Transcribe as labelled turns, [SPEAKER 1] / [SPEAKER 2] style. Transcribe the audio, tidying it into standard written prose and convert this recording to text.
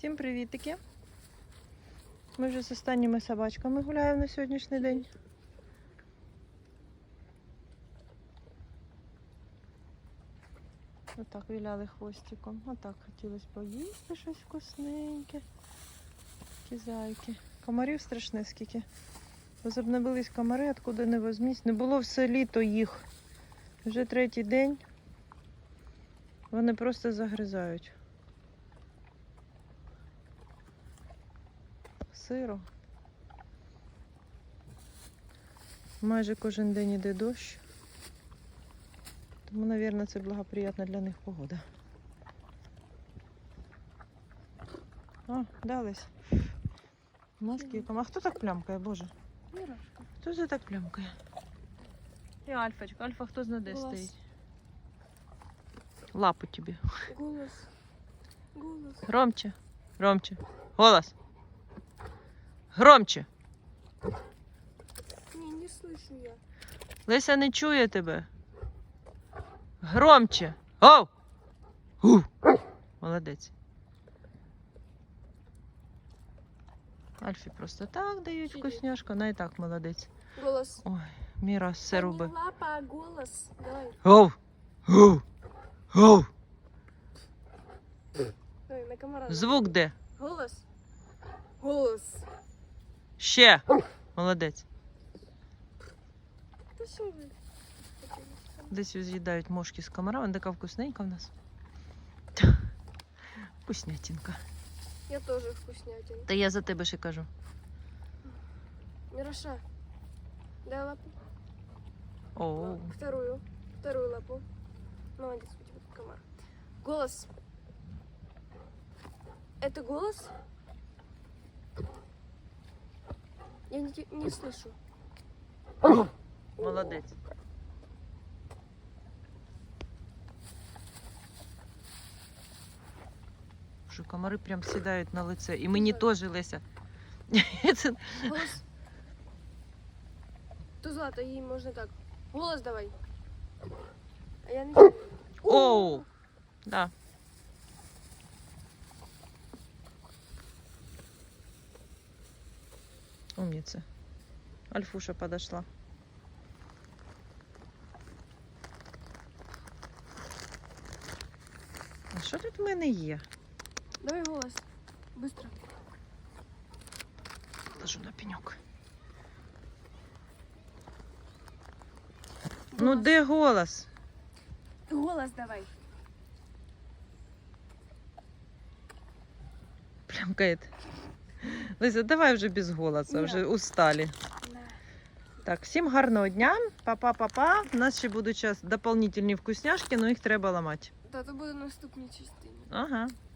[SPEAKER 1] Всім привітики! Ми вже з останніми собачками гуляємо на сьогоднішній день. Отак віляли хвостиком. Отак хотілося поїсти щось вкусненьке. Такі зайки. Комарів страшне скільки. Возобновились комари, откуда не возьмісь. Не було все літо їх. Вже третій день. Вони просто загризають. Сиро. Майже кожен день іде дощ. Тому, мабуть, це благоприятна для них погода. О, дались. Наскільки? А хто так плямкає, Боже?
[SPEAKER 2] Мирошка.
[SPEAKER 1] Хто це так плямкає? І Альфочка. Альфа хто знає де стоїть? Лапу тобі.
[SPEAKER 2] Голос. Голос.
[SPEAKER 1] Громче. Громче. Голос. Громче.
[SPEAKER 2] Не слышу я.
[SPEAKER 1] Леся не чує тебе. Громче. Оу! Гу! Молодець. Альфі просто так дають
[SPEAKER 2] Сидить.
[SPEAKER 1] вкусняшку, вона і так молодець.
[SPEAKER 2] Голос.
[SPEAKER 1] Ой, Міра все
[SPEAKER 2] Не
[SPEAKER 1] робить.
[SPEAKER 2] лапа, а голос. Давай.
[SPEAKER 1] Оу! Гу! Гу!
[SPEAKER 2] Давай, на комара.
[SPEAKER 1] Звук де?
[SPEAKER 2] Голос. Голос.
[SPEAKER 1] Ще. Молодець.
[SPEAKER 2] Та що ви?
[SPEAKER 1] Десь з'їдають мошки з комара, вона така вкусненька в нас. Вкуснятинка.
[SPEAKER 2] Я тоже вкуснятин.
[SPEAKER 1] Та я за тебе ще кажу.
[SPEAKER 2] Мироша. Дай лапу.
[SPEAKER 1] Оу.
[SPEAKER 2] Вторую. Вторую лапу. Молодец, у тебя тут комар. Голос. Это голос? Я не слышу.
[SPEAKER 1] Молодець. Що комари прям сідають на лице. І мені теж, Леся. Це...
[SPEAKER 2] Голос. То Злата, ей можно так. Голос давай. А я не...
[SPEAKER 1] Оу! Да. Умница. Альфуша подошла. А що тут в мене є?
[SPEAKER 2] Давай голос. Быстро.
[SPEAKER 1] Ложу на пеньок. Ну де голос?
[SPEAKER 2] Голос давай.
[SPEAKER 1] Плямкает. Лиза, давай вже без голоса,
[SPEAKER 2] Ні.
[SPEAKER 1] вже устали.
[SPEAKER 2] На.
[SPEAKER 1] Так, всім гарного дня. Па-па-па-па. У нас ще будуть зараз дополнительні вкусняшки, але їх треба ламати.
[SPEAKER 2] Та то буде наступній частині.
[SPEAKER 1] Ага.